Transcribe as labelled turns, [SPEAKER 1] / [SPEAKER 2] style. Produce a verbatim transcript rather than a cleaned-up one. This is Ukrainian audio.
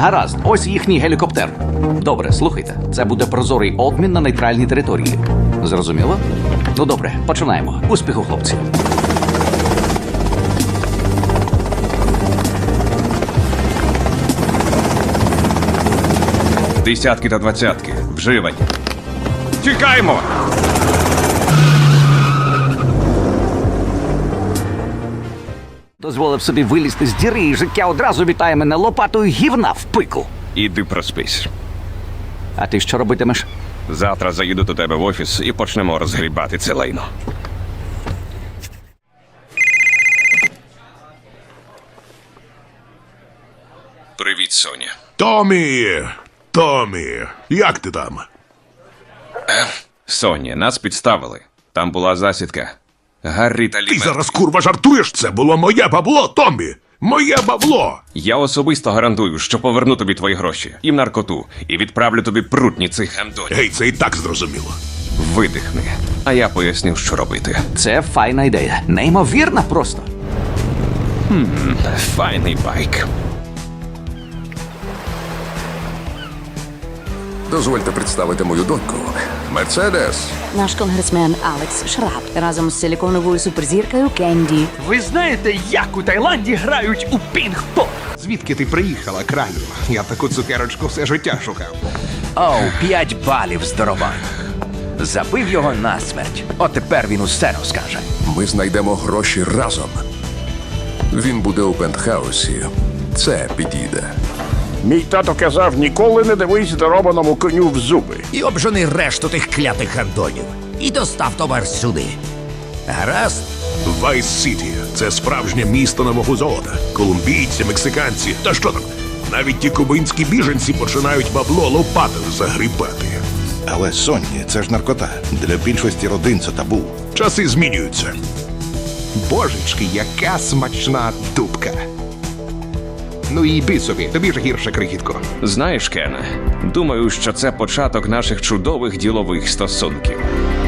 [SPEAKER 1] Гаразд, ось їхній гелікоптер. Добре, слухайте, це буде прозорий обмін на нейтральній території. Зрозуміло? Ну добре, починаємо. Успіху, хлопці.
[SPEAKER 2] Десятки та двадцятки. Вживані. Тікаємо!
[SPEAKER 1] Дозволив собі вилізти з діри, і життя одразу вітає мене лопатою гівна в пику.
[SPEAKER 2] Іди проспись.
[SPEAKER 1] А ти що робитимеш?
[SPEAKER 2] Завтра заїду до тебе в офіс і почнемо розгрібати це лайно. Привіт, Соня.
[SPEAKER 3] Томі! Томі! Як ти там?
[SPEAKER 2] Соня, нас підставили. Там була засідка. Гаррі та
[SPEAKER 3] Ти
[SPEAKER 2] Лі.
[SPEAKER 3] зараз курва жартуєш? Це було моє бабло, Томі! Моє бабло!
[SPEAKER 2] Я особисто гарантую, що поверну тобі твої гроші і наркоту, і відправлю тобі прутні цих гандонів.
[SPEAKER 3] Гей, це і так зрозуміло.
[SPEAKER 2] Видихни, а я поясню, що робити.
[SPEAKER 1] Це файна ідея. Неймовірна просто.
[SPEAKER 2] Файний байк.
[SPEAKER 4] Дозвольте представити мою доньку. Мерседес.
[SPEAKER 5] Наш конгресмен Алекс Шраб разом з силіконовою суперзіркою Кенді.
[SPEAKER 6] Ви знаєте, як у Таїланді грають у пінг-понг?
[SPEAKER 7] Звідки ти приїхала, кралю? Я таку цукерочку все життя шукав.
[SPEAKER 8] Оу, п'ять балів, здоровань. Забив його насмерть. От тепер він усе розкаже.
[SPEAKER 4] Ми знайдемо гроші разом. Він буде у пентхаусі. Це підійде.
[SPEAKER 9] Мій тато казав, ніколи не дивись здоробаному коню в зуби.
[SPEAKER 8] І обжени решту тих клятих гандонів. І достав товар сюди. Гаразд?
[SPEAKER 3] Вайс Сіті – це справжнє місто нового золота. Колумбійці, мексиканці, та що там? Навіть ті кубинські біженці починають бабло лопатою загрібати.
[SPEAKER 10] Але, Сонні, це ж наркота. Для більшості родин це табу.
[SPEAKER 3] Часи змінюються.
[SPEAKER 7] Божечки, яка смачна дубка. Ну і йди собі, тобі ж гірше, крихітко.
[SPEAKER 2] Знаєш, Кене, думаю, що це початок наших чудових ділових стосунків.